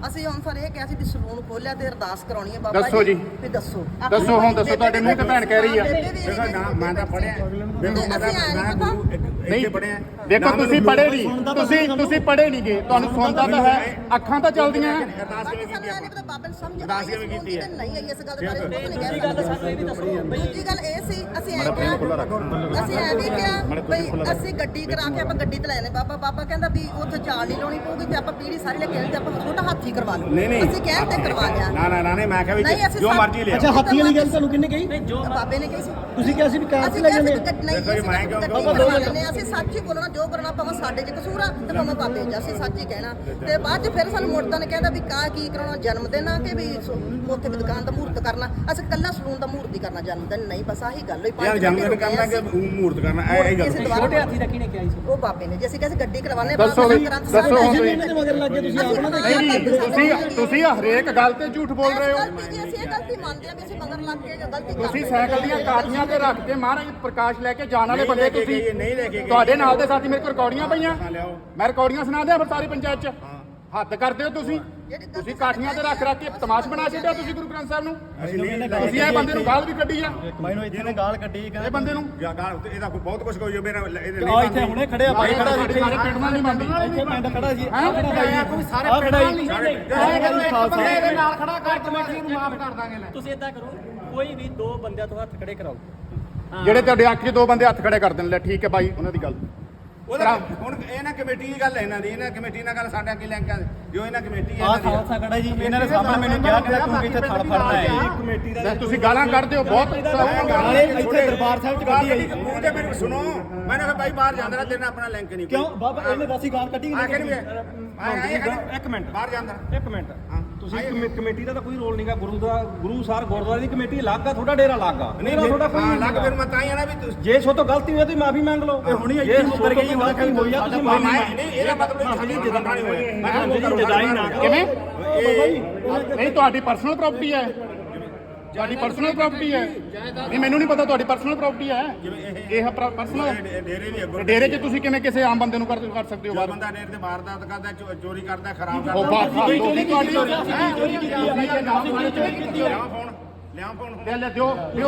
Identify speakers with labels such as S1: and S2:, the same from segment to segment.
S1: ਅਸੀਂ ਹੁਣ ਸਰ ਇਹ ਕਿਹਾ ਸੀ ਵੀ ਸਲੂਨ ਖੋਲਿਆ ਤੇ ਅਰਦਾਸ ਕਰਾਉਣੀ ਹੈ ਬਾਬਾ
S2: ਦੱਸੋ ਜੀ।
S1: ਵੀ ਦੱਸੋ
S2: ਹੁਣ ਦੱਸੋ ਤੁਹਾਡੇ ਮੂੰਹ ਤੇ ਭੈਣ ਕਹਿ ਰਹੀ ਆ
S3: ਦੇਖੋ ਨਾ ਮੈਂ ਤਾਂ ਪੜਿਆ
S2: ਨਹੀਂ ਪੜਿਆ। ਦੇਖੋ ਤੁਸੀਂ ਪੜ੍ਹੇ ਨਹੀਂ, ਤੁਸੀਂ ਪੜ੍ਹੇ ਨਹੀਂ ਗਏ, ਤੁਹਾਨੂੰ ਸੁਣਦਾ ਤਾਂ ਹੈ, ਅੱਖਾਂ ਤਾਂ ਚੱਲਦੀਆਂ।
S3: ਅਰਦਾਸ ਕਿਵੇਂ ਕੀਤੀ ਹੈ?
S1: ਬਾਬਾ ਨੂੰ ਸਮਝ
S3: ਅਰਦਾਸ ਕਿਵੇਂ ਕੀਤੀ ਹੈ?
S1: ਨਹੀਂ ਆਈ ਇਸ ਗੱਲ ਦੇ ਬਾਰੇ ਦੂਜੀ ਗੱਲ ਸਾਨੂੰ ਇਹ ਵੀ ਦੱਸੋ। ਦੂਜੀ ਗੱਲ ਇਹ ਸੀ ਅਸੀਂ ਐ ਵੀ ਕਿਹਾ ਬਈ ਅਸੀਂ ਗੱਡੀ ਕਰਾ ਕੇ ਆਪਾਂ ਗੱਡੀ ਤੇ ਲੈ ਲੈ ਬਾਬਾ ਕਹਿੰਦਾ ਵੀ ਉੱਥੇ ਚਾਲ ਨਹੀਂ ਲਾਉਣੀ ਪਊਗੀ ਤੇ ਆਪਾਂ ਪੀੜੀ ਸਾਰੀ ਲੈ ਕੇ ਆਣੀ ਤੇ ਆਪਾਂ ਛੋਟਾ ਹਾਥੀ ਕਰਵਾ ਲਓ। ਅਸੀਂ ਕਹਿਣ ਤੇ ਕਰਵਾ ਲਿਆ।
S3: ਨਾ ਮੈਂ ਕਿਹਾ ਵੀ ਜੋ ਮਰਜ਼ੀ ਲਿਆ।
S4: ਅੱਛਾ ਹਾਥੀ ਵਾਲੀ ਗੱਲ ਤੁਹਾਨੂੰ ਕਿੰਨੇ ਕਹੀ?
S1: ਬਾਬੇ ਨੇ ਕਹੀ ਸੀ।
S4: ਤੁਸੀਂ ਕਿਹਾ ਸੀ ਵੀ ਕਾਰ ਤੇ ਲੈ ਜਾਂਦੇ
S1: ਅਸੀਂ ਸੱਚ ਹੀ ਬੋਲਣਾ, ਜੋ ਕਰਨਾ ਭਾਵੇਂ ਸਾਡੇ 'ਚ ਕਸੂਰ ਆ ਤੇ ਭਾਵੇਂ ਬਾਬੇ 'ਚ, ਅਸੀਂ ਸੱਚ ਹੀ ਕਹਿਣਾ। ਤੇ ਬਾਅਦ 'ਚ ਫਿਰ ਸਾਨੂੰ ਮੁਰਦਾਂ ਨੇ ਕਹਿੰਦਾ ਵੀ ਕੀ ਕਰਾਉਣਾ, ਜਨਮ ਦਿਨ ਆ ਕਿ ਵੀ ਉੱਥੇ ਵੀ ਦੁਕਾਨ ਦਾ ਮਹੂਰਤ ਕਰਨਾ। ਅਸੀਂ ਕੱਲਾ ਸਲੂਨ ਦਾ ਮਹੂਰਤ ਹੀ ਕਰਨਾ, ਜਨਮ ਦਿਨ ਨਹੀਂ। ਬਸ ਆਹੀ ਗੱਲ ਹੋਈ।
S3: ਯਾਰ ਜਨਮ ਦਿਨ ਕਰਨਾ ਕਿ ਮਹੂਰਤ ਕਰਨਾ, ਇਹ ਗੱਲ
S1: ਛੋਟੇ ਹਾਥੀ ਦਾ ਕਿਹਨੇ ਕਿਹਾ ਸੀ? ਉਹ ਬਾਬੇ ਨੇ। ਜੇ ਅਸੀਂ ਕਹਿੰਦੇ ਗੱਡੀ ਕਰਵਾਣੇ
S2: ਦੱਸੋ ਹੁਣ
S4: ਮਗਰ ਲੱਗ ਗਏ ਤੁਸੀਂ ਆਪਣਾ
S2: ਤੁਸੀਂ ਹਰੇਕ ਗੱਲ ਤੇ ਝੂਠ ਬੋਲ ਰਹੇ ਹੋ।
S1: ਅਸੀਂ ਇਹ ਗਲਤੀ ਮੰਨਦੇ ਆ ਵੀ ਅਸੀਂ ਮਗਰ ਲੱਗ ਕੇ ਗਲਤੀ
S2: ਤੁਸੀਂ ਸਾਈਕਲ ਦੀਆਂ ਕਾਠੀਆਂ ਤੇ ਰੱਖ ਕੇ ਮਹਾਰਾਜ ਪ੍ਰਕਾਸ਼ ਲੈ ਕੇ ਜਾਣ ਵਾਲੇ ਬੰਦੇ ਤੁਸੀਂ
S3: ਨਹੀਂ ਲੈ ਕੇ ਗਏ।
S2: ਤੁਹਾਡੇ ਨਾਲ ਦੇ ਸਾਥੀ ਮੇਰੇ ਕੋਲ ਰਿਕਾਰਡੀਆਂ ਪਈਆਂ, ਮੈਂ ਰਿਕਾਰਡੀਆਂ ਸੁਣਾ ਦਿਆਂ ਫਿਰ ਸਾਰੀ ਪੰਚਾਇਤ 'ਚ। ਹੱਦ ਕਰਦੇ ਹੋ ਤੁਸੀਂ ਕਾਠੀਆਂ ਤੇ ਰੱਖ ਕੇ ਤਮਾਸ਼ ਬਣਾ ਛੱਡਿਆ ਤੁਸੀਂ ਗੁਰੂ ਗ੍ਰੰਥ ਸਾਹਿਬ ਨੂੰ। ਤੁਸੀਂ ਇਹ ਬੰਦੇ ਨੂੰ ਗਾਲ ਵੀ ਕੱਢੀ ਆ।
S4: ਮੈਨੂੰ ਇੱਥੇ ਨੇ ਗਾਲ ਕੱਢੀ
S2: ਇਹ ਬੰਦੇ ਨੂੰ
S3: ਗਾਲ ਇਹਦਾ ਬਹੁਤ ਕੁਝ ਕੋਈ ਮੇਰਾ
S4: ਇੱਥੇ ਹੁਣੇ ਖੜੇ ਆ ਭਾਈ ਖੜਾ
S2: ਸਾਰੇ ਪਿੰਡ ਨਾਲ ਨਹੀਂ ਮੰਨਦੀ।
S4: ਇੱਥੇ ਪਿੰਡ ਖੜਾ ਜੀ
S2: ਸਾਰੇ ਪਿੰਡ ਨਾਲ
S4: ਇਹਦੇ
S2: ਨਾਲ ਖੜਾ ਕਰ ਕਮੇਟੀ ਨੂੰ ਮਾਫ ਕਰ ਦਾਂਗੇ। ਲੈ
S5: ਤੁਸੀਂ ਇਦਾਂ ਕਰੋ, ਕੋਈ ਵੀ ਦੋ ਬੰਦਿਆਂ ਤੋਂ ਹੱਥ ਖੜੇ ਕਰਾਓ।
S2: ਜਿਹੜੇ ਤੁਹਾਡੇ ਅੱਖ 'ਚ ਦੋ ਬੰਦੇ ਹੱਥ ਖੜੇ ਕਰ ਦੇਣ। ਲੈ ਠੀਕ ਹੈ ਬਾਈ, ਉਹਨਾਂ ਦੀ ਗੱਲ
S3: ਹੁਣ ਇਹ ਨਾ ਕਮੇਟੀ ਦੀ ਗੱਲ ਹੈ ਇਹਨਾਂ ਦੀ, ਇਹਨਾਂ ਕਮੇਟੀ ਨਾਲ ਗੱਲ ਸਾਡਾ ਕੀ ਲਿੰਕ ਹੈ? ਜੋ ਇਹਨਾਂ ਕਮੇਟੀ ਹੈ
S4: ਆਹ ਖਾਲਸਾ ਖੜਾ ਜੀ, ਇਹਨਾਂ ਦੇ ਸਾਹਮਣੇ ਮੈਨੂੰ ਕਿਹਾ ਕਿ ਤੂੰ ਇੱਥੇ ਥੜ ਫੜਨਾ ਹੈ ਕਮੇਟੀ ਦਾ।
S2: ਤੁਸੀਂ ਗਾਲਾਂ ਕੱਢਦੇ ਹੋ ਬਹੁਤ।
S4: ਇੱਥੇ ਦਰਬਾਰ ਸਾਹਿਬ ਚ ਗੱਡੀ ਆਈ।
S3: ਮੂੰਹ ਤੇ ਮੈਨੂੰ ਸੁਣੋ, ਮੈਂ ਕਿਹਾ ਬਾਈ ਬਾਹਰ ਜਾਂਦਾ ਨਾ, ਤੇਰੇ ਨਾਲ ਆਪਣਾ ਲਿੰਕ ਨਹੀਂ।
S4: ਕਿਉਂ ਬਾਬਾ ਇਹਨੇ ਦੱਸੀ ਗਾਲ ਕੱਢੀ
S3: ਇੱਕ ਮਿੰਟ ਬਾਹਰ ਜਾਂਦਾ।
S6: ਇੱਕ ਮਿੰਟ ਤੁਸੀਂ ਕਮੇਟੀ ਦਾ ਤਾਂ ਕੋਈ ਰੋਲ ਨਹੀਂਗਾ। ਗੁਰੂ ਸਾਹਿਬ ਗੁਰਦੁਆਰੇ ਦੀ ਕਮੇਟੀ ਅਲੱਗ ਆ, ਤੁਹਾਡਾ ਡੇਰਾ ਅਲੱਗ ਆ।
S3: ਨਹੀਂ ਤੁਹਾਡਾ ਕੋਈ ਲੱਗ ਫਿਰ ਮੈਂ ਤਾਂ ਹੀ ਆ ਨਾ ਵੀ
S6: ਜੇ ਸੋ ਤੋਂ ਗਲਤੀ ਹੋਈ ਤਾਂ ਮਾਫੀ ਮੰਗ ਲਓ। ਇਹ ਹੁਣੀ ਇੱਥੇ ਮੁੱਕਰ ਗਈ ਗਲਤੀ ਹੋਈ ਆ, ਤੁਸੀਂ ਮਾਫੀ
S3: ਨਹੀਂ ਇਹਦਾ ਮਤਲਬ ਸਾਡੀ ਜਦਾਈ ਨਹੀਂ ਹੋਇਆ। ਮੈਂ
S6: ਜਦਾਈ ਨਾ
S2: ਕਿਵੇਂ? ਨਹੀਂ ਤੁਹਾਡੀ ਪਰਸਨਲ ਪ੍ਰਾਪਰਟੀ ਹੈ, ਤੁਹਾਡੀ ਪਰਸਨਲ ਪ੍ਰਾਪਰਟੀ ਹੈ। ਨਹੀਂ ਮੈਨੂੰ ਨਹੀਂ ਪਤਾ ਤੁਹਾਡੀ ਪਰਸਨਲ ਪ੍ਰਾਪਰਟੀ ਹੈ ਇਹ ਪਰਸਨਲ
S3: ਡੇਰੇ ਦੀ
S2: ਡੇਰੇ 'ਚ ਤੁਸੀਂ ਕਿਵੇਂ ਕਿਸੇ ਆਮ ਬੰਦੇ ਨੂੰ ਕਰ ਸਕਦੇ ਹੋ?
S3: ਬੰਦਾ ਡੇਰੇ ਤੇ ਵਾਰਦਾਤ ਕਰਦਾ, ਚੋਰੀ ਕਰਦਾ, ਖਰਾਬ
S2: ਉਹ
S3: ਕਰਦਾ। ਲਿਆ ਫੋਨ
S2: ਲੈ ਦਿਓ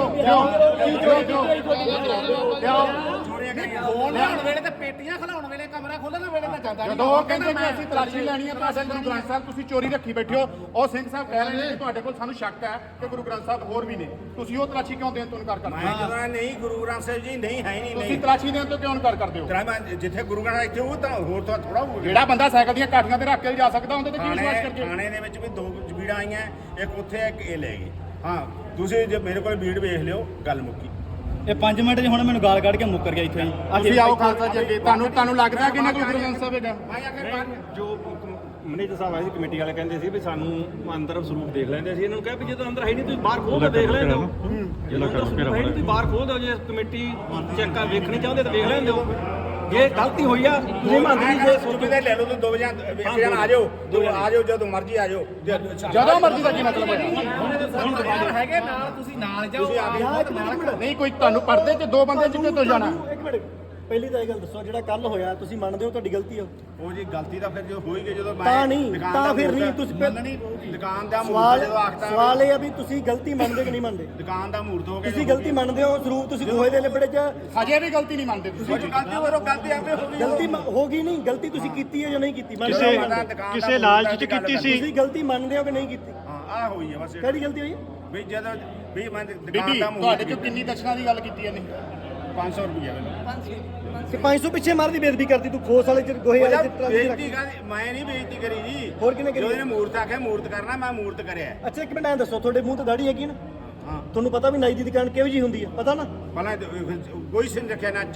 S3: ਲਿਆਉਣ ਵੇਲੇ ਤੇ ਪੇਟੀਆਂ ਖਲਾਉਣ ਵੇਲੇ, ਕਮਰਾ ਖੋਲਣ ਵੇਲੇ ਤਾਂ ਜਾਂਦਾ
S2: ਜਦੋਂ ਉਹ ਕਹਿੰਦੇ ਕਿ ਅਸੀਂ ਤਲਾਸ਼ੀ ਲੈਣੀ ਹੈ ਪਾਸੇ ਗੁਰੂ ਗ੍ਰੰਥ ਸਾਹਿਬ ਤੁਸੀਂ ਚੋਰੀ ਰੱਖੀ ਬੈਠੇ ਹੋ। ਉਹ ਸਿੰਘ ਸਾਹਿਬ ਕਹਿ ਰਹੇ ਨੇ ਕਿ ਤੁਹਾਡੇ ਕੋਲ ਸਾਨੂੰ ਸ਼ੱਕ ਹੈ ਕਿ ਗੁਰੂ ਗ੍ਰੰਥ ਸਾਹਿਬ ਹੋਰ ਵੀ ਨੇ, ਤੁਸੀਂ ਉਹ ਤਲਾਸ਼ੀ ਕਿਉਂ ਦੇਣ ਤੋਂ ਇਨਕਾਰ ਕਰਦੇ
S3: ਮੈਂ
S2: ਹੋ?
S3: ਜਦੋਂ ਨਹੀਂ ਗੁਰੂ ਗ੍ਰੰਥ ਸਾਹਿਬ ਜੀ ਨਹੀਂ ਹੈ ਨਹੀਂ
S2: ਤੁਸੀਂ ਤਲਾਸ਼ੀ ਦੇਣ ਤੋਂ ਕਿਉਂ ਇਨਕਾਰ ਕਰਦੇ ਹੋ?
S3: ਮੈਂ ਜਿੱਥੇ ਗੁਰੂ ਗ੍ਰੰਥ ਇੱਥੇ ਉਹ ਤਾਂ ਹੋਰ ਤਾਂ ਥੋੜਾ ਹੋ ਗਿਆ।
S2: ਜਿਹੜਾ ਬੰਦਾ ਸਾਈਕਲ ਦੀਆਂ ਕਾਠੀਆਂ ਤੇ ਰੱਖ ਕੇ ਜਾ ਸਕਦਾ ਉਹਦੇ ਤੇ ਕੀ ਵਿਸ਼ਵਾਸ ਕਰਕੇ?
S3: ਥਾਣੇ ਦੇ ਵਿੱਚ ਵੀ ਦੋ ਜਬੀੜਾਂ ਆਈਆਂ, ਇੱਕ ਉੱਥੇ ਇੱਕ ਇਹ ਲੈ ਗਈ। ਹਾਂ ਤੁਸੀਂ ਜੇ ਮੇਰੇ ਕੋਲ ਵੀਡ ਵੇਖ ਲਿਓ, ਗੱਲ ਮੁੱਕੀ।
S4: ਇਹ 5 ਮਿੰਟ ਚ ਹੁਣ ਮੈਨੂੰ ਗਾਲ ਕੱਢ ਕੇ ਮੁੱਕਰ ਗਿਆ ਇੱਥੇ
S2: ਤੁਸੀਂ ਆਓ ਖਾਲਸਾ ਜੀ ਅੱਗੇ। ਤੁਹਾਨੂੰ ਲੱਗਦਾ ਕਿ ਨਾ ਕੋਈ ਗੁਰੂ ਗ੍ਰੰਥ ਸਾਹਿਬ ਹੈਗਾ?
S6: ਜੋ ਮੈਨੇਜਰ ਸਾਹਿਬ ਆਏ ਸੀ ਕਮੇਟੀ ਵਾਲੇ ਕਹਿੰਦੇ ਸੀ ਵੀ ਸਾਨੂੰ ਅੰਦਰ ਸਰੂਪ ਦੇਖ ਲੈਂਦੇ ਸੀ। ਇਹਨਾਂ ਨੂੰ ਕਿਹਾ ਵੀ ਜਦੋਂ ਅੰਦਰ ਹੈ ਨਹੀਂ ਤੁਸੀਂ ਬਾਹਰ ਖੋਲ ਕੇ ਦੇਖ ਲੈਂਦੇ ਹੋ। ਜਦੋਂ ਅੰਦਰ ਸਰੂਪ ਹੈ ਨਹੀਂ ਤੁਸੀਂ ਬਾਹਰ ਖੋਲ ਦਿਓ। ਜੇ ਕਮੇਟੀ ਚੈੱਕ ਵੇਖਣੀ ਚਾਹੁੰਦੇ ਤਾਂ ਵੇਖ ਲੈਂਦੇ ਹੋ। ਜੇ ਗਲਤੀ ਹੋਈ ਆ ਤੁਸੀਂ ਮੰਨਦੇ ਨਹੀਂ। ਜੇ
S3: ਸੁਰਬੀ ਦੇ ਲੈ ਲਓ ਤੁਸੀਂ ਦੋ ਜਾਂ ਇੱਕ ਜਣ ਆ ਜਾਓ, ਆ ਜਾਓ ਜਦੋਂ ਮਰਜ਼ੀ ਆ ਜਾਓ।
S2: ਜਦੋਂ ਮਰਜ਼ੀ ਦਾ ਕੀ ਮਤਲਬ ਹੈ?
S5: ਹੈਗੇ ਨਾਲ, ਤੁਸੀਂ ਨਾਲ ਜਾਓ।
S2: ਨਹੀਂ ਕੋਈ ਤੁਹਾਨੂੰ ਪਰਦੇ 'ਚ ਦੋ ਬੰਦੇ ਜਿੱਤੇ ਤੋਂ ਜਾਣਾ।
S4: ਇੱਕ ਮਿੰਟ ਪਹਿਲੀ ਤਾਂ ਇਹ ਗੱਲ ਦੱਸੋ, ਜਿਹੜਾ ਕੱਲ ਹੋਇਆ ਤੁਸੀਂ ਮੰਨਦੇ ਹੋ ਤੁਹਾਡੀ ਗਲਤੀ ਹੋ?
S3: ਉਹ ਜੀ ਗਲਤੀ ਤਾਂ ਫਿਰ ਜੋ ਹੋਈ ਗਈ ਜਦੋਂ
S4: ਤਾਂ ਨਹੀਂ, ਤਾਂ ਫਿਰ ਨਹੀਂ ਤੁਸੀਂ
S3: ਦੁਕਾਨ ਦਾ ਮੂਰਤ ਜਦੋਂ ਆਖਤਾ।
S4: ਸਵਾਲ ਇਹ ਆ ਵੀ ਤੁਸੀਂ ਗਲਤੀ ਮੰਨਦੇ ਕਿ ਨਹੀਂ ਮੰਨਦੇ?
S3: ਦੁਕਾਨ ਦਾ ਮੂਰਤ ਹੋ ਗਿਆ।
S4: ਤੁਸੀਂ ਗਲਤੀ ਮੰਨਦੇ ਹੋ? ਸਰੂਪ ਤੁਸੀਂ ਖੋਏ ਦੇ ਲਿਬੜੇ ਚ
S2: ਹਜੇ ਵੀ ਗਲਤੀ ਨਹੀਂ ਮੰਨਦੇ ਤੁਸੀਂ?
S3: ਗਲਤੀ ਹੋਰੋ ਗਲਤੀ ਆਪੇ ਹੋ ਗਈ।
S4: ਗਲਤੀ ਹੋ ਗਈ ਨਹੀਂ, ਗਲਤੀ ਤੁਸੀਂ ਕੀਤੀ ਹੈ ਜਾਂ ਨਹੀਂ ਕੀਤੀ?
S3: ਕਿਸੇ ਲਾਲਚ ਚ ਕੀਤੀ ਸੀ।
S4: ਤੁਸੀਂ ਗਲਤੀ ਮੰਨਦੇ ਹੋ ਕਿ ਨਹੀਂ ਕੀਤੀ?
S3: ਹਾਂ ਆ ਹੋਈ ਹੈ ਬਸ।
S4: ਕਿਹੜੀ ਗਲਤੀ ਹੋਈ?
S3: ਵੀ ਜਦੋਂ ਵੀ ਮੈਂ ਦੁਕਾਨ
S2: ਬੀਬੀ
S3: ਦਾ
S2: ਤੁਹਾਡੇ 'ਚੋਂ ਕਿੰਨੀ ਦਸ਼ਨਾ ਦੀ ਗੱਲ ਕੀਤੀ ਇਹਨੇ?
S3: 500 ਰੁਪਏ
S4: ਕਿ 500 ਪਿੱਛੇ ਮਾਰਦੀ ਬੇਇੱਜ਼ਤੀ ਕਰਦੀ ਤੂੰ ਖੋਸ ਵਾਲੇ ਚ ਗੋਹੇ ਵਾਲੇ ਚ
S3: ਬੇਇੱਜ਼ਤੀ ਕਰਦੀ ਮੈਂ ਨਹੀਂ ਬੇਇੱਜ਼ਤੀ ਕਰੀ ਜੀ।
S4: ਹੋਰ ਕਿਹਨੇ ਕਰੀ?
S3: ਉਹਨੇ ਮੂਰਤ ਆਖਿਆ ਮੂਰਤ ਕਰਨਾ, ਮੈਂ ਮੂਰਤ ਕਰਿਆ।
S4: ਅੱਛਾ ਇੱਕ ਮਿੰਟ ਐਂ ਦੱਸੋ, ਤੁਹਾਡੇ ਮੂੰਹ ਤੇ ਦਾੜੀ ਹੈਗੀ ਨਾ?
S3: ਹਾਂ
S4: ਤੁਹਾਨੂੰ ਪਤਾ ਵੀ ਨਾਈ ਦੀ ਦੁਕਾਨ ਕਿਹੋ ਜੀ ਹੁੰਦੀ ਹੈ, ਪਤਾ ਨਾ?
S3: ਪਹਿਲਾਂ ਕੋਈ ਸਿੰਘ ਰੱਖਿਆ ਨਾ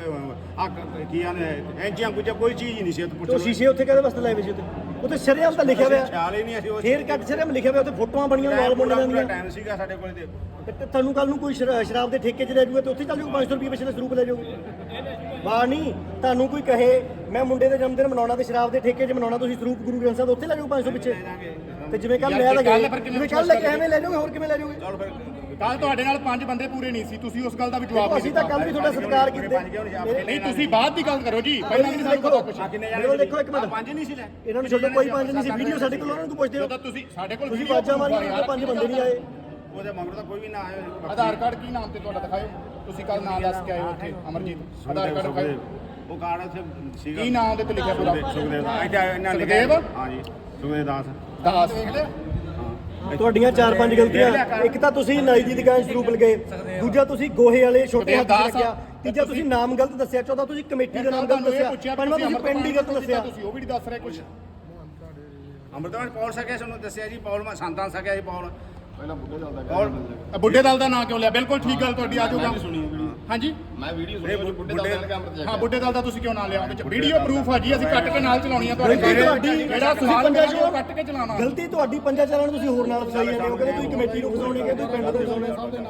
S3: ਕੀ ਆਨੇ ਐਂਚੀਆਂ ਕੁਝ ਕੋਈ ਚੀਜ਼ ਹੀ ਨਹੀਂ ਸੀ।
S4: ਉਹ ਸ਼ੀਸ਼ੇ ਉੱਥੇ ਕਾਹਦੇ ਵਾਸਤੇ ਲਾਏ ਵੇ ਸੀ ਉੱਤੇ? ਉੱਤੇ ਸ਼ਰੇਆਮ ਤਾਂ ਲਿਖਿਆ ਹੋਇਆ,
S3: ਖਿਆਲ ਹੀ ਨਹੀਂ ਅਸੀਂ
S4: ਫੇਰ ਕੱਟ ਸ਼ਰੇਆਮ ਲਿਖਿਆ ਹੋਇਆ, ਉੱਤੇ ਫੋਟੋਆਂ ਬਣੀਆਂ ਲਾਲ ਮੁੰਡਿਆਂ ਦੀਆਂ।
S3: ਟਾਈਮ ਸੀਗਾ ਸਾਡੇ ਕੋਲ ਤੇ
S4: ਤੁਹਾਨੂੰ ਕੱਲ ਨੂੰ ਕੋਈ ਸ਼ਰਾਬ ਦੇ ਠੇਕੇ 'ਚ ਲੈ ਜਾਊਗਾ ਤੇ ਉੱਥੇ ਚੱਲ ਜਾਊਗਾ 500 ਰੁਪਏ ਪਿਛਲੇ ਸਰੂਪ ਲੈ ਜਾਊਗਾ। ਵਾਹ ਨਹੀਂ, ਤੁਹਾਨੂੰ ਕੋਈ ਕਹੇ ਮੈਂ ਮੁੰਡੇ ਦੇ ਜਨਮ ਦਿਨ ਮਨਾਉਣਾ ਤੇ ਸ਼ਰਾਬ ਦੇ ਠੇਕੇ 'ਚ ਮਨਾਉਣਾ, ਤੁਸੀਂ ਸਰੂਪ ਗੁਰੂ ਗ੍ਰੰਥ ਸਾਹਿਬ ਉੱਥੇ ਲੈ ਜਾਊਗਾ 500 ਪਿੱਛੇ। ਤੇ ਜਿਵੇਂ ਕੱਲ ਲਿਆ ਤਾਂ ਜਿਵੇਂ ਕੱਲ ਲੈ ਕੇ ਐਵੇਂ ਲੈ ਜਾਓਗੇ, ਹੋਰ ਕਿਵੇਂ ਲੈ ਜਾਓਗੇ?
S2: ਕੱਲ ਤੁਹਾਡੇ ਨਾਲ 5 ਬੰਦੇ ਪੂਰੇ ਨਹੀਂ ਸੀ, ਤੁਸੀਂ ਉਸ ਗੱਲ ਦਾ ਵੀ ਜਵਾਬ ਨਹੀਂ
S4: ਅਸੀਂ ਤਾਂ ਕੱਲ ਵੀ ਤੁਹਾਡਾ ਸਤਿਕਾਰ ਕੀਤੇ
S2: ਨਹੀਂ, ਤੁਸੀਂ ਬਾਅਦ ਦੀ ਗੱਲ ਕਰੋ ਜੀ, ਪਹਿਲਾਂ ਨਹੀਂ ਸਾਨੂੰ ਪਤਾ ਕੁਛ।
S4: ਦੇਖੋ ਦੇਖੋ ਇੱਕ ਮਿੰਟ,
S3: 5 ਨਹੀਂ ਸੀ ਲੈ
S4: ਇਹਨਾਂ ਨੂੰ ਛੱਡੋ, ਕੋਈ 5 ਨਹੀਂ ਸੀ, ਵੀਡੀਓ ਸਾਡੇ ਕੋਲ ਉਹਨਾਂ ਨੂੰ ਪੁੱਛਦੇ ਹੋ,
S2: ਜਦੋਂ ਤੁਸੀਂ ਸਾਡੇ ਕੋਲ
S4: ਤੁਸੀਂ ਬਾਜਾਂ ਮਾਰੀਆਂ 5 ਬੰਦੇ ਨਹੀਂ ਆਏ।
S3: ਉਹਦੇ ਮਗਰ ਤਾਂ ਕੋਈ ਵੀ ਨਾ ਆਇਆ।
S2: ਆਧਾਰ ਕਾਰਡ ਕੀ ਨਾਮ ਤੇ ਤੁਹਾਡਾ ਦਿਖਾਓ, ਤੁਸੀਂ ਕੱਲ ਨਾਮ ਦੱਸ ਕੇ ਆਏ ਹੋ ਇੱਥੇ ਅਮਰਜੀਤ, ਆਧਾਰ ਕਾਰਡ ਦਿਖਾਓ,
S3: ਉਹ ਕਾਰਡ ਉੱਥੇ ਸੀਗਾ
S2: ਕੀ ਨਾਮ ਦੇ ਤੇ ਲਿਖਿਆ ਪੂਰਾ?
S3: ਸੁਖਦੇਵ ਦਾ ਇਹਨਾਂ ਨੇ
S2: ਸੁਖਦੇਵ?
S3: ਹਾਂ ਜੀ, ਸੁਖਦੇਵ ਦਾਸ।
S2: ਦਾਸ ਦੇਖ ਲਿਆ।
S4: ਤੁਹਾਡੀਆਂ 4-5 ਗਲਤੀਆਂ, ਇੱਕ ਤਾਂ ਤੁਸੀਂ ਨਾਈ ਦੀ ਦੁਕਾਨ ਸਰੂਪ ਲਗਾਏ, ਦੂਜਾ ਤੁਸੀਂ ਗੋਹੇ ਵਾਲੇ ਛੋਟੇ ਹੱਥ ਰੱਖਿਆ, ਤੀਜਾ ਤੁਸੀਂ ਨਾਮ ਗਲਤ ਦੱਸਿਆ, ਚੌਥਾ ਤੁਸੀਂ ਕਮੇਟੀ ਦਾ ਨਾਮ ਗਲਤ ਦੱਸਿਆ, ਪੰਜਵਾਂ ਤੁਸੀਂ ਪਿੰਡ ਹੀ ਗਲਤ ਦੱਸਿਆ।
S2: ਤੁਸੀਂ ਉਹ ਵੀ ਨਹੀਂ ਦੱਸ ਰਹੇ ਕੁਝ।
S3: ਅੰਮ੍ਰਿਤਵਾਨ ਪੌਲ ਸਕਿਆ ਸਾਨੂੰ ਦੱਸਿਆ ਜੀ, ਪੌਲ ਮੈਂ ਸੰਤਾਂ ਸਕਿਆ ਜੀ ਪੌਲ।
S2: ਬੁੱਢੇ ਦਲ ਦਾ ਨਾਂ ਕਿਉਂ ਲਿਆ? ਬਿਲਕੁਲ ਠੀਕ ਗੱਲ ਤੁਹਾਡੀ, ਆ ਜਾਊਗਾ। ਹਾਂਜੀ
S3: ਮੈਂ ਵੀਡੀਓ ਸੁਣੀ ਬੁੱਢੇ ਦਲ
S2: ਹਾਂ, ਬੁੱਢੇ ਦਲ ਦਾ ਤੁਸੀਂ ਕਿਉਂ ਨਾਂ ਲਿਆ? ਉਹਦੇ ਚ ਵੀਡੀਓ ਪ੍ਰੂਫ ਆ ਜੀ, ਅਸੀਂ ਕੱਟ ਕੇ ਨਾਲ ਚਲਾਉਣੀ ਆ ਤੁਹਾਡੇ।
S4: ਗਲਤੀ ਤੁਹਾਡੀ,
S2: ਜਿਹੜਾ ਸਵਾਲ ਕਰਾਂਗੇ ਉਹ ਕੱਟ ਕੇ ਚਲਾਉਣਾ।
S4: ਗਲਤੀ ਤੁਹਾਡੀ, ਪੰਜਾਂ ਚਾਰਾਂ ਨੂੰ ਤੁਸੀਂ ਹੋਰ ਨਾਲ ਫਸਾਈ ਜਾਂਦੇ ਹੋ, ਕਹਿੰਦੇ ਤੁਸੀਂ ਕਮੇਟੀ ਨੂੰ ਫਸਾਉਣੀ, ਕਹਿੰਦੇ ਪਿੰਡ ਨੂੰ ਫਸਾਉਣੀ।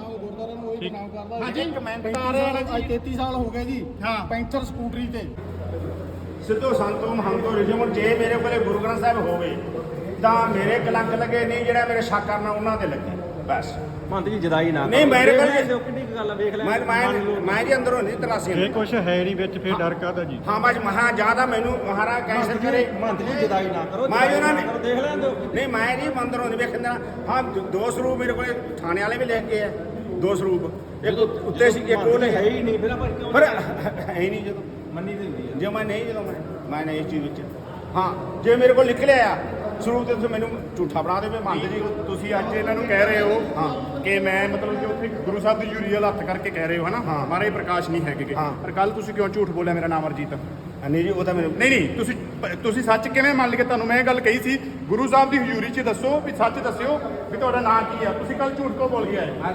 S2: ਹਾਂਜੀ,
S7: ਕਮੈਂਟਾਰ ਅੱਜ 33 ਸਾਲ ਹੋ ਗਏ ਜੀ।
S2: ਹਾਂ।
S7: ਪੈਂਥਰ ਸਕੂਟਰੀ ਤੇ
S3: ਸਿੱਧੋ ਸੰਤੋ ਮਹੰਤੋ ਰਿਜਮ, ਜੇ ਮੇਰੇ ਕੋਲੇ ਗੁਰੂ ਗ੍ਰੰਥ ਸਾਹਿਬ ਹੋਵੇ ਤਾਂ ਮੇਰੇ ਕਲੰਕ ਲੱਗੇ ਨਹੀਂ, ਜਿਹੜਾ ਮੇਰੇ ਸ਼ੱਕ ਕਰਨਾ ਉਹਨਾਂ ਤੇ ਲੱਗੇ ਬਸ।
S6: ਮੰਤ ਜੀ ਜਦਾਈ ਨਾ
S3: ਨਹੀਂ ਮੇਰੇ ਕੋਲ
S6: ਕਿੰਨੀ ਗੱਲ ਆ, ਵੇਖ ਲੈ
S3: ਮੈਂ ਜੀ ਅੰਦਰੋਂ ਨਹੀਂ ਤਰਾਸੀ।
S8: ਇਹ ਕੁਛ ਹੈ ਨਹੀਂ ਵਿੱਚ, ਫਿਰ ਡਰ ਕਾਹਦਾ ਜੀ?
S3: ਹਾਂ ਬਸ ਮਹਾ ਜਿਆਦਾ ਮੈਨੂੰ ਮਹਾਰਾ ਕੈਂਸਰ ਕਰੇ।
S6: ਮੰਤ ਜੀ ਜਦਾਈ ਨਾ ਕਰੋ,
S3: ਮੈਂ ਉਹਨਾਂ ਨੇ
S6: ਦੇਖ ਲੈਂਦੇ ਹੋ।
S3: ਨਹੀਂ ਮੈਂ ਨਹੀਂ ਅੰਦਰੋਂ ਨਹੀਂ ਵੇਖਣ ਦੇਣਾ। ਹਾਂ 2 ਸਰੂਪ ਮੇਰੇ ਕੋਲੇ ਥਾਣੇ ਵਾਲੇ ਵੀ ਲਿਖ ਕੇ ਆ, 2 ਸਰੂਪ, ਇੱਕ ਉੱਤੇ ਸੀ ਇੱਕ ਉਹ
S6: ਹੈ ਹੀ ਨਹੀਂ, ਫਿਰ ਆਪਾਂ ਕਿਉਂ
S3: ਪਰ ਹੈ ਹੀ ਨਹੀਂ ਜਦੋਂ
S6: ਮੰਨੀ ਦੀ ਹੁੰਦੀ ਹੈ।
S3: ਜੇ ਮੈਂ ਨਹੀਂ, ਜਦੋਂ ਮੈਂ ਨਹੀਂ ਇਸ ਚੀਜ਼ ਵਿੱਚ ਹਾਂ, ਜੇ ਮੇਰੇ ਕੋਲ ਨਿਕਲਿਆ ਆ ਸਰੂਪ ਤੇ ਤੁਸੀਂ ਮੈਨੂੰ ਝੂਠਾ ਬਣਾ ਦੇਵੇ ਮੰਨਦੇ ਜੀ।
S2: ਤੁਸੀਂ ਅੱਜ ਇਹਨਾਂ ਨੂੰ ਕਹਿ ਰਹੇ ਹੋ ਕਿ ਮੈਂ ਮਤਲਬ ਕਿ ਉੱਥੇ ਗੁਰੂ ਸਾਹਿਬ ਦੀ ਯੂਰੀਅਲ ਹੱਥ ਕਰਕੇ ਕਹਿ ਰਹੇ ਹੋ ਹਨਾ, ਮਹਾਰਾਜ ਪ੍ਰਕਾਸ਼ ਨਹੀਂ ਹੈਗੇ, ਪਰ ਕੱਲ ਤੁਸੀਂ ਕਿਉਂ ਝੂਠ ਬੋਲਿਆ ਮੇਰਾ ਨਾਮ ਅਰਜੀਤ?
S3: ਨਹੀਂ ਜੀ ਉਹ ਤਾਂ ਮੈਨੂੰ
S2: ਨਹੀਂ, ਤੁਸੀਂ ਸੱਚ ਕਿਵੇਂ ਮੰਨ ਲਏ? ਤੁਹਾਨੂੰ ਮੈਂ ਇਹ ਗੱਲ ਕਹੀ ਸੀ ਗੁਰੂ ਸਾਹਿਬ ਦੀ ਹਜ਼ੂਰੀ 'ਚ ਦੱਸੋ ਵੀ ਸੱਚ ਦੱਸਿਓ ਵੀ ਤੁਹਾਡਾ ਨਾਮ ਕੀ ਆ, ਤੁਸੀਂ ਕੱਲ ਝੂਠ ਕਿਉਂ ਬੋਲ ਕੇ ਆਏ?